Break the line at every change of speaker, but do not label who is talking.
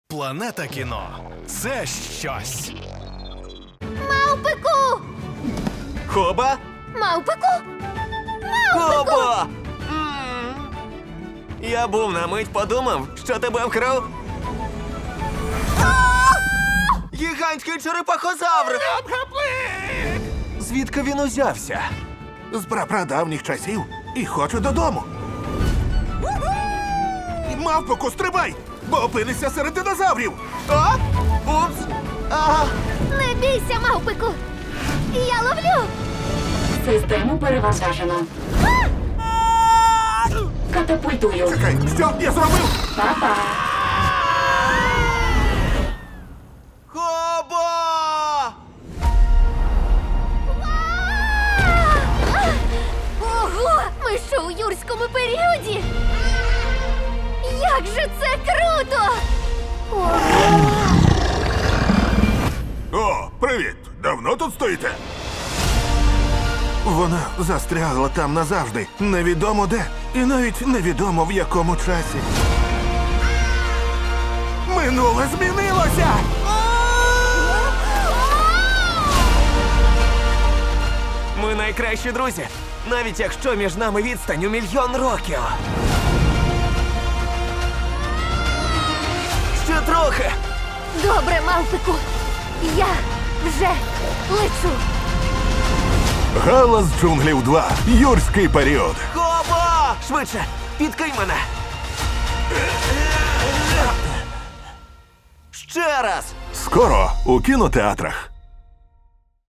Планета кіно – це щось.
Мавпику!
Хоба?
Мавпику!
Хоба! Я був на мить подумав, що тебе вкрав. Гігантський черепахозавр! Звідки він узявся?
З прапрадавніх часів і хочу додому. Мавпоку, стрибай, бо опинишся серед динозаврів.
А? Упс! Ага!
Не бійся, мавпику! Я ловлю!
Систему перевантажено. Катапультую.
Чекай, що я зробив?
Па-па.
Хоба!
Ого! Ми що у юрському періоді? Як же це круто! Ого!
О, привіт! Давно тут стоїте? Вона застрягла там назавжди. Невідомо де. І навіть невідомо в якому часі. Минуле змінилося!
Ми найкращі друзі, навіть якщо між нами відстань у 1 000 000 років. Ще трохи.
Добре, мавпику! Я вже лечу!
Галас джунглів 2. Юрський період.
Хоба! Швидше, підкинь мене. Ще раз.
Скоро у кінотеатрах.